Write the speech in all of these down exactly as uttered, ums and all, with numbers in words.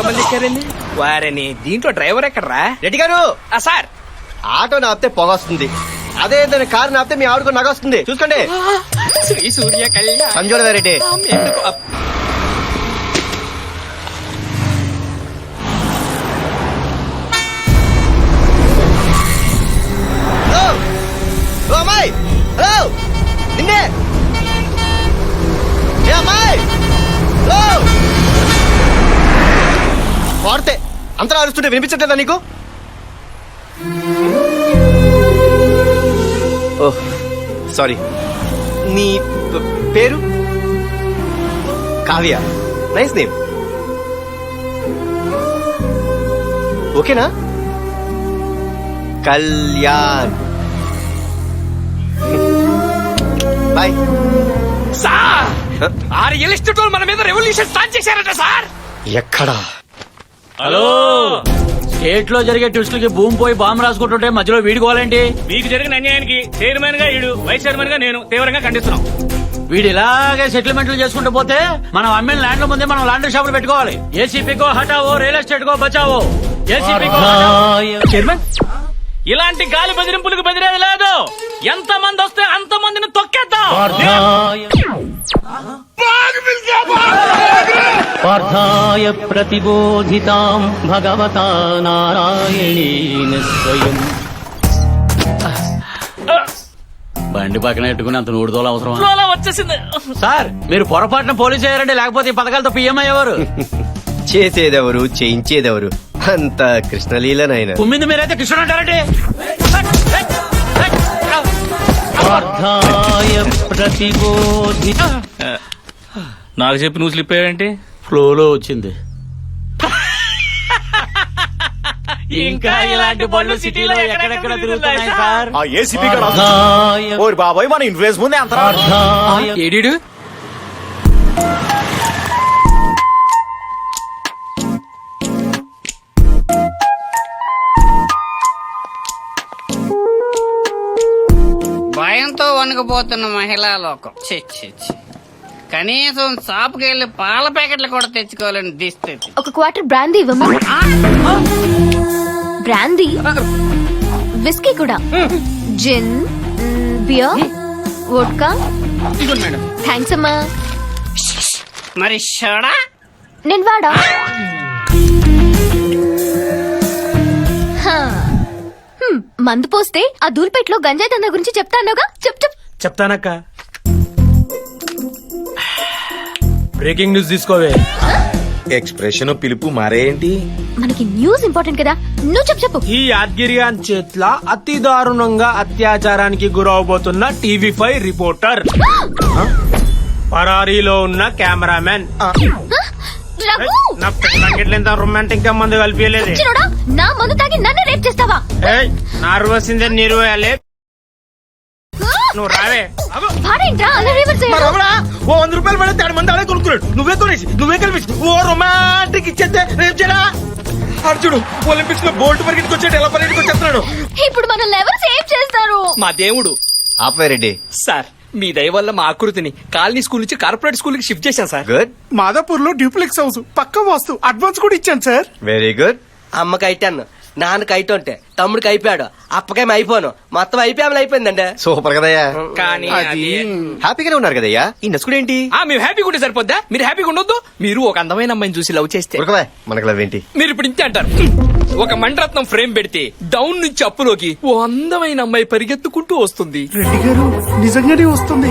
ఎంతమంది ఎక్కారండి? వారని దీంట్లో డ్రైవర్ ఎక్కడరా? రెడ్డి గారు ఆ సార్, ఆటో నాపితే పొగ వస్తుంది, అదే ఏదైనా కారు నాపితే మీ ఆవిడకు నగ వస్తుంది. చూసుకోండి. శ్రీ సూర్య కళ్యాణ్ సంజోడ రెడ్డి. ఎందుకు అప్- హలో ఓ అమ్మాయి, హలో నిన్నే ఏ అమ్మాయి, హలో వాడితే అంతలా అరుస్తుంటే వినిపించట్లేదా నీకు? Oh sorry. నీ ప- పేరు? కావ్య. Nice name. ఓకేనా? కళ్యాణ్. బాయ్. సార్, ఆ రియల్ ఎస్టేట్ వాళ్ళు మన మీద రెవల్యూషన్ స్టార్ట్ చేశారట సార్. ఎక్కడా? హలో, స్టేట్ లో జరిగే ట్విస్టులకి భూమి పోయి బాంబు రాసుకుంటుంటే మధ్యలో వీడుకోవాలండి. మీకు జరిగిన అన్యాయానికి చైర్మన్ గా ఈడు, వైస్ చైర్మన్ గా నేను తీవ్రంగా ఖండిస్తున్నాం. వీడు ఇలాగే సెటిల్మెంట్లు చేసుకుంటూ పోతే మనం అమ్మిన ల్యాండ్ల ముందే మనం లాండ్రీ షాపులు పెట్టుకోవాలి. ఏసీపీకో హటావో, రియల్ ఎస్టేట్ కో బచావో. ఏసీపీకో చైర్మన్, ఇలాంటి గాలి బెదిరింపులకు బెదిరేది లేదు. ఎంత మంది వస్తే అంత మందిని తొక్కేద్దాం. పార్థాయ ప్రతిబోధితాం భగవతా నారాయణేన స్వయం. బండి పక్కన పెట్టుకుని అంత నూడుదోలు అవసరం? ఫ్లోలో వచ్చేసింది. సార్, మీరు పొరపాటున పోలీసు అయ్యారండి, లేకపోతే ఈ పథకాలతో పిఎం అయ్యేవారు. చేసేదెవరు, చేయించేదెవరు? అంత కృష్ణలీలనైనా. కుమ్మింది మీరైతే కృష్ణుడు అంటారండి. పార్థాయ ప్రతిబోధి. నాకు చెప్పి నువ్వు స్లిప్ అయ్యావేంటి? ఫ్లోలో వచ్చింది. ఇంకా ఇలాంటి బళ్ళు సిటీలో ఎక్కడెక్కడ తిరుగుతున్నాయి సార్. ఆ ఏసీపీ గారు పార్థాయ ఓరి బాబాయ్, మన ఇన్ఫ్లుయెన్స్ ముందే అంత పార్థాయ ఏడీడు భయంతో వణుకుపోతున్న మహిళా లోకం. ఛీ, ఛీ, ఛీ. కనీసం షాప్కి వెళ్ళి పాల ప్యాకెట్లు కూడా తెచ్చుకోవాలని దిస్థితి. ఒక క్వార్టర్ బ్రాందీ ఇవ్వమా? బ్రాందీ, విస్కీ కూడా, జిన్, బియర్, వోడ్కా. థ్యాంక్స్ అమ్మా. మరి షోడా? నేను వాడా? హా. హ్మ్, మందు పోస్తే ఆ దూల్పేటలో గంజాయి దందా గురించి చెప్తానుగా. చెప్ చెప్ చెప్తానక్క. బ్రేకింగ్ న్యూస్ తీసుకోవే. ఎక్స్ప్రెషన్ పిలుపు మారేంటి? మనకి న్యూస్ ఇంపార్టెంట్ కదా, నువ్వు చెప్పు చెప్పు. ఈ యాద్గిరియాన్ చేట్ల అతి దారుణంగా అత్యాచారానికి గురవబోతున్న టీవీ ఫైవ్ రిపోర్టర్, పరారీలో ఉన్న కెమెరామెన్. రఘు! నా పెళ్ళంగిట్లేంత రొమాంటిక్ గా మందు కలిపియలేదే. చిన్నోడా, నా మందు తాగి నన్ను రేప్ చేస్తావా? నార్వసిందే నీరువేయాలి. నువ్వు రావే. భారేంట్రా అలా రివర్స్ చేయడం? ఓ వంద రూపాయలు పడితే ఆడు మంది ఆడే కొనుక్కున్నాడు. నువ్వే కొనేసి నువ్వే కలిపి ఓ రొమాంటిక్ ఇచ్చేస్తే రేపు చేయడా? అర్జుడు ఒలింపిక్స్ లో బోల్ట్ పరిగెట్టుకు వచ్చాడు, ఎలా పరిగెట్టుకు వచ్చేస్తున్నాడు. ఇప్పుడు మనల్ని ఎవరు సేవ్ చేస్తారు? మా దేవుడు. ఆపే రెడ్డి. సార్, మీ దయ వల్ల మా ఆకృతిని కాలనీ స్కూల్ నుంచి కార్పొరేట్ స్కూల్ కి షిఫ్ట్ చేశాం సార్. గుడ్, మాదాపూర్ లో డ్యూప్లెక్స్ హౌస్ పక్క వాస్తు అడ్వాన్స్ కూడా ఇచ్చాను సార్. Very good. అమ్మకి అయిటాను, నాన్నకి అయితుంటే తమ్ముడికి అయిపోయాడు, అప్పకేం అయిపోను, మొత్తం అయిపోయామని అయిపోయిందండి. సూపర్ కదయ్యా. కానీ అది హ్యాపీగానే ఉన్నారు కదయ్యా. ఈ నసుకుడు ఏంటి? ఆ, మేము హ్యాపీగా ఉంటే సరిపోద్దా? మీరు హ్యాపీగా ఉండొద్దు? మీరు ఒక అందమైన అమ్మాయిని చూసి లవ్ చేస్తే ఉరకవే, మనకు లవ్ ఏంటి? మీరు ఇప్పుడు ఇంతే అంటారు. ఒక మణిరత్నం ఫ్రేమ్ పెడితే డౌన్ నుంచి అప్పులోకి ఓ అందమైన అమ్మాయి పరిగెత్తుకుంటూ వస్తుంది. రెడ్డి గారు నిజంగానే వస్తుంది.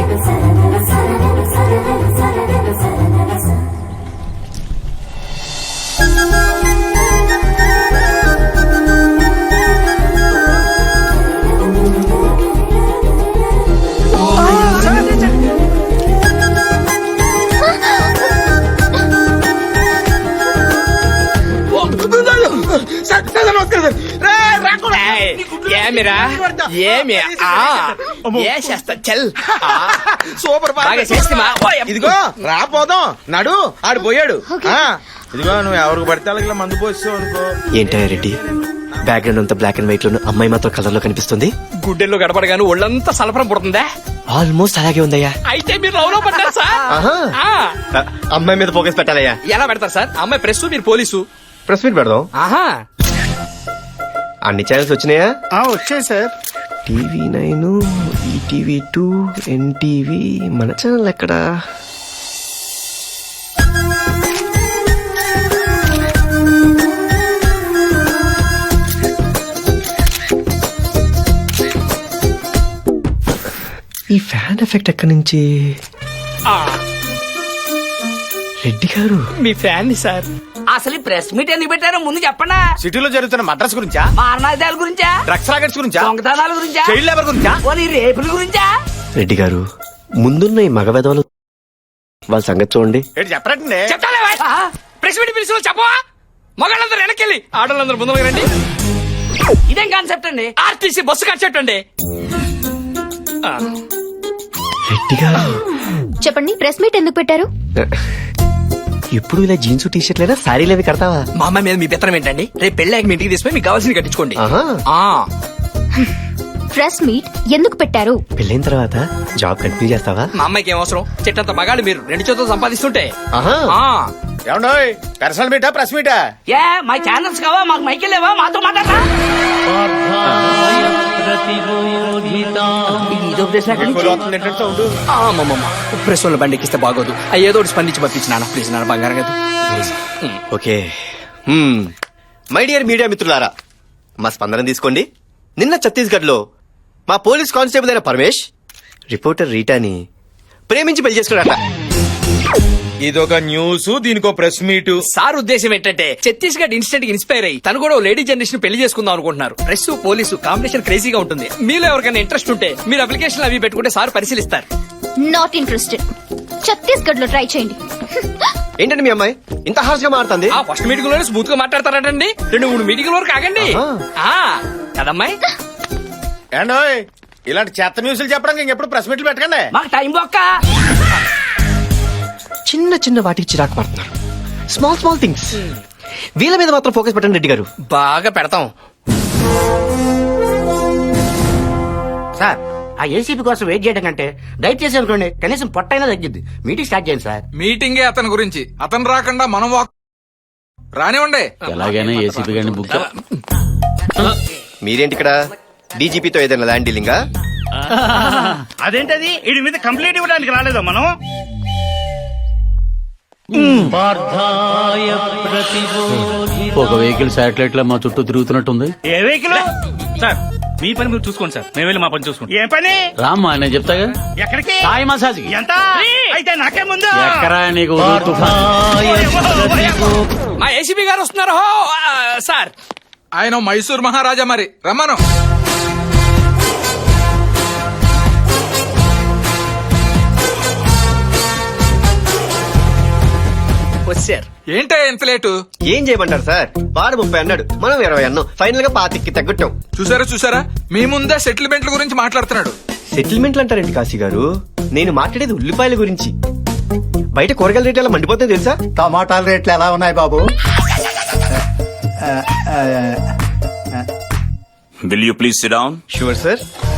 ఏమిరా ఏమి చేస్తా చల్ సూపర్ బాగా చేస్తిమా? ఇదిగో రాపోదాం నడు, ఆడు పోయాడు. ఆ, ఇదిగో నువ్వు ఎవరికి పడితే వాళ్ళకి మందు పోస్తావు అనుకో. ఏంటయ్యా రెడ్డి, బ్యాక్గ్రౌండ్ అంతా బ్లాక్ అండ్ వైట్ లో, అమ్మాయి మాత్రం కలర్ లో కనిపిస్తుంది. గుడ్డెల్లో గడపడగాను ఒళ్ళంతా సలపరం పుడుతుందా? ఆల్మోస్ట్ అలాగే ఉందయ్యా. అయితే మీరు లవ్ లో పడ్డారు సార్. ఆహా. ఆ. అమ్మాయి మీద ఫోకస్ పెట్టాలయ్యా. ఎలా పెడతారు సార్? అమ్మాయి ప్రెస్, మీరు పోలీసు. ప్రెస్ మీట్ పెడదాం. ఆహా అన్ని ఛానల్స్ వచ్చినాయా? వచ్చాయి sir. TV nine, ETV two, NTV, మన ఛానల్ ఎక్కడా? ఈ ఫ్యాన్ ఎఫెక్ట్ ఎక్కడి నుంచి? ఆ, రెడ్డి గారు మీ ఫ్యాన్ సార్. అసలు ప్రెస్ మీట్ ఎందుకు పెట్టారో ముందు చెప్పండా. సిటీలో జరుగుతున్న మద్రాస్ గురించా, మారణాదాల గురించా, డ్రగ్స్ రాకెట్స్ గురించా, దొంగతనాల గురించా, చైల్డ్ లేబర్ గురించా, పోనీ రేపుల గురించా? రెడ్డి గారు ముందున్న ఈ మగ వెధవలు వాళ్ళ సంగతి చూడండి. ఏంటి చెప్పరండి. చెప్తాలే వాయ్. ప్రెస్ మీట్ పిలిచి చెప్పవా? మగాళ్ళందరూ వెనకెళ్ళి ఆడవాళ్ళందరూ ముందు రండి. ఇదేం కాన్సెప్ట్ అండి? ఆర్టీసీ బస్సు కన్సెప్ట్ అండి. ఆ, రెడ్డి గారు చెప్పండి, ప్రెస్ మీట్ ఎందుకు పెట్టారు? ఎప్పుడు ఇలా జీన్స్ టీ షర్ట్ లేదా శారీలు అవి కడతావా? మా అమ్మాయి మీద మీ పెత్తనం ఏంటండి? రేపు పెళ్ళాక మీ ఇంటికి తీసుకుని మీకు కావాల్సింది కట్టించుకోండి. ఆహా. ఆ, ప్రెస్ మీట్ ఎందుకు పెట్టారు? పెళ్ళైన తర్వాత జాబ్ కంటిన్యూ చేస్తావా? మా అమ్మాయికి ఏం అవసరం? చెట్టంత మగాళ్ళు మీరు రెండు చేతులు సంపాదిస్తుంటే. ఆహా. ఆ, ఏమండోయ్ పర్సనల్ మీటా ప్రెస్ మీటా? ఏ మా ఛానల్స్ కావా, మాకు మైకిల్ లేవా, మాతో మాట్లాడరా? స్వార్థాయ ప్రతిబోధితాం ఇదో ప్రశ్న ఎక్కడి నుంచి? సౌండ్ ఆ, అమ్మమ్మమ్మ. ప్రెస్ వాళ్ళ బండి ఎక్కిస్తే బాగోదు. ఆ, ఏదో ఒకటి స్పందించి పంపించి నాన్న ప్లీజ్, నాన్న బంగారం కదా. ఓకే. మై డియర్ మీడియా మిత్రులారా, మా స్పందన తీసుకోండి. నిన్న ఛత్తీస్గఢ్ లో మా పోలీస్ కానిస్టేబుల్ అయిన పరమేష్ రిపోర్టర్ రీటాని ప్రేమించి పెళ్లి చేసుకున్నాడట. ఇదొక న్యూస్, దీనికో ప్రెస్ మీట్. సార్ ఉద్దేశం ఏంటంటే ఛత్తీస్గఢ్ ఇన్స్టెంట్ కి ఇన్స్పైర్ అయ్యి తను కూడా ఓ లేడీ జనరేషన్ పెళ్లి చేసుకుందాం అనుకుంటున్నారు. ప్రెస్ పోలీసు కాంబినేషన్ క్రేజీగా ఉంటుంది. మీలో ఎవరికైనా ఇంట్రెస్ట్ ఉంటే మీరు అప్లికేషన్ అవి పెట్టుకుంటే సార్ పరిశీలిస్తారు. Not interested. ఛత్తీస్గఢ్ లో ట్రై చేయండి. ఏంటండి మీ అమ్మాయి ఇంత హార్ష్ గా మారుతుంది? ఆ ఫస్ట్ మీటింగ్ లోనే స్మూత్ గా మాట్లాడతారంటండి. రెండు మూడు మీటింగ్ వరకు ఆగండి. ఆ, కదమ్మాయి? ఏండోయ్ ఇలాంటి చెత్త న్యూస్లు చెప్పడానికి ఇంకెప్పుడు ప్రెస్ మీట్లు పెట్టకండి. మాకు టైం బొక్క. చిన్న చిన్న వాటికి చిరాకు పడుతున్నారు. Small small things. వీళ్ళ మీద మాత్రం ఫోకస్ పెట్టండి రెడ్డి గారు. బాగా పెడతాం. సార్ ఆ ఏసీపీ కోసం వెయిట్ చేయడం కంటే దయచేసి అనుకోండి కనీసం పొట్టైనా తగ్గిద్ది. మీటింగ్ స్టార్ట్ చేయండి సార్. మీటింగే అతని గురించి, అతను రాకుండా మనం వాక్ రానివ్వండి. ఎలాగైనా ఏసీపీ గారిని బుక్ మీరేంటి ఇక్కడ? డీజీపీతో ఏదైనా ల్యాండ్ డీలింగా? అదేంటది వీడి మీద కంప్లైంట్ ఇవ్వడానికి రాలేదా మనం? స్వార్థాయ ప్రతిబోధితాం ఒక వెహికల్ శాటిలైట్ లో మా చుట్టూ తిరుగుతున్నట్టుంది. ఏ వెహికల్? సార్ మీ పని మీరు చూసుకోండి సార్, మేము వెళ్ళి మా పని చూసుకుంటాం. ఏ పని? రామ్మా నేను చెప్తాగా. ఎక్కడికి? సాయి మసాజ్ ఎంత? అయితే నాకే ముందు. ఎక్కరా నీకు తుఫాన్. స్వార్థాయ ప్రతిబోధితాం మా ఏసీపీ గారు వస్తున్నారు. హో, ఆ, సార్ ఆయన మైసూర్ మహారాజా, మరి రమ్మను. వచ్చారు. ఏంటే ఎంత లేటు? ఏం చేయమంటారు సార్? వాడు ముప్పై అన్నాడు, మనం ఇరవై అన్నాం. ఫైనల్ గా పాతికి తగ్గట్టాం. చూసారా చూసారా, మీ ముందే సెటిల్మెంట్ల గురించి మాట్లాడుతున్నాడు. సెటిల్మెంట్లు అంటారండి కాశీ గారు? నేను మాట్లాడేది ఉల్లిపాయల గురించి. బయట కూరగాయల రేట్లు ఎలా మండిపోతాయి తెలుసా? టమాటాల రేట్లు ఎలా ఉన్నాయి బాబు? Will you please sit down? Sure sir.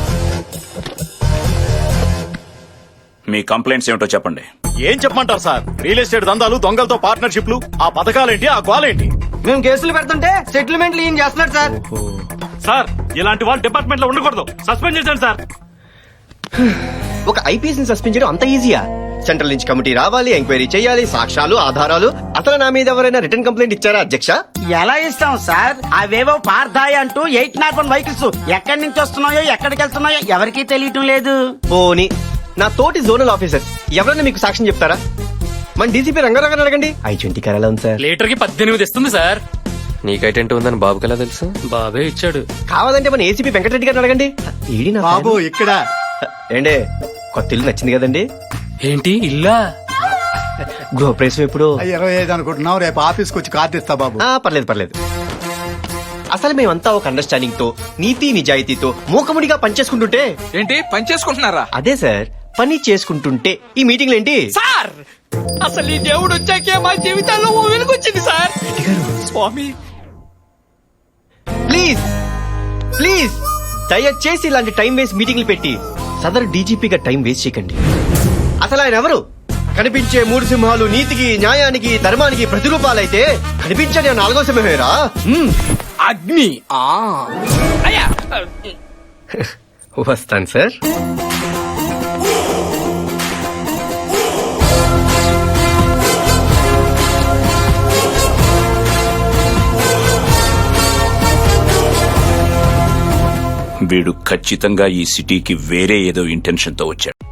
మీ కంప్లైంట్స్ ఏమిటో చెప్పండి. ఏం చెప్పమంటారు సార్? రియల్ ఎస్టేట్ దందాలు, దొంగలతో పార్ట్నర్షిప్లు, ఆ పథకాలేంటి, ఆ గోలేంటి? మేము కేసులు పెడుతుంటే సెటిల్మెంట్లు ఏం చేస్తున్నాడు సార్? సార్ ఇలాంటి వాళ్ళు డిపార్ట్మెంట్ లో ఉండకూడదు, సస్పెండ్ చేశాను సార్. ఒక ఐపీఎస్ ని సస్పెండ్ చేయడం అంత ఈజీయా? సెంట్రల్ నుంచి కమిటీ రావాలి, ఎంక్వైరీ చేయాలి, సాక్ష్యాలు, ఆధారాలు. అసలు నా మీద ఎవరైనా రిటర్న్ కంప్లైంట్ ఇచ్చారా అధ్యక్ష? ఎలా ఇస్తాం సార్? అవేవో పార్థాయి అంటూ ఎయిట్ నాట్ వన్ వెహికల్స్ ఎక్కడి నుంచి వస్తున్నాయో ఎక్కడికి వెళ్తున్నాయో ఎవరికీ తెలియటం లేదు. పోనీ నా తోటి జోనల్ ఆఫీసర్ ఎవరైనా మీకు సాక్ష్యం చెప్తారా? మన డీసీపీ రంగారావు అడగండి. ఐ ట్వంటీ కరాలా ఉంది సార్. లీటర్ కి పద్దెనిమిది ఇస్తుంది సార్. నీకైటెంట్ ఉందని బాబుకి ఎలా తెలుసు? బాబే ఇచ్చాడు. కావాలంటే మన ఏసీపీ వెంకటరెడ్డి గారిని అడగండి. ఈడి నా బాబు fan. ఇక్కడ ఏండే కొత్త ఇల్లు నచ్చింది కదండి? ఏంటి ఇల్లా? గృహప్రవేశం ఎప్పుడు? ఇరవై ఐదు అనుకుంటున్నావు, రేపు ఆఫీస్కి వచ్చి కార్డు ఇస్తా బాబు. ఆ, పర్లేదు పర్లేదు. అసలు మేమంతా ఒక అండర్స్టాండింగ్ తో, నీతి నిజాయితీతో మూకముడిగా పనిచేసుకుంటుంటే. ఏంటి పని చేసుకుంటున్నారా? అదే సార్, పని చేసుకుంటుంటే ఈ మీటింగ్లు ఏంటి సార్ అసలు ఈ దేవుడు వచ్చాకే మా జీవితాల్లో ఓ వెలుగొచ్చింది సార్. స్వామి ప్లీజ్ ప్లీజ్ దయచేసి ఇలాంటి టైం వేస్ట్ మీటింగ్లు పెట్టి సదరు డీజీపీగా టైం వేస్ట్ చేయకండి. అసలు ఆయన ఎవరు? కనిపించే మూడు సింహాలు నీతికి న్యాయానికి ధర్మానికి ప్రతిరూపాలైతే కనిపించని ఆ నాలుగో సింహమేరా మ్మ్. అగ్ని ఆ అయ్యా వస్తాను సార్. వీడు ఖచ్చితంగా ఈ సిటీకి వేరే ఏదో ఇంటెన్షన్ తో వచ్చాడు.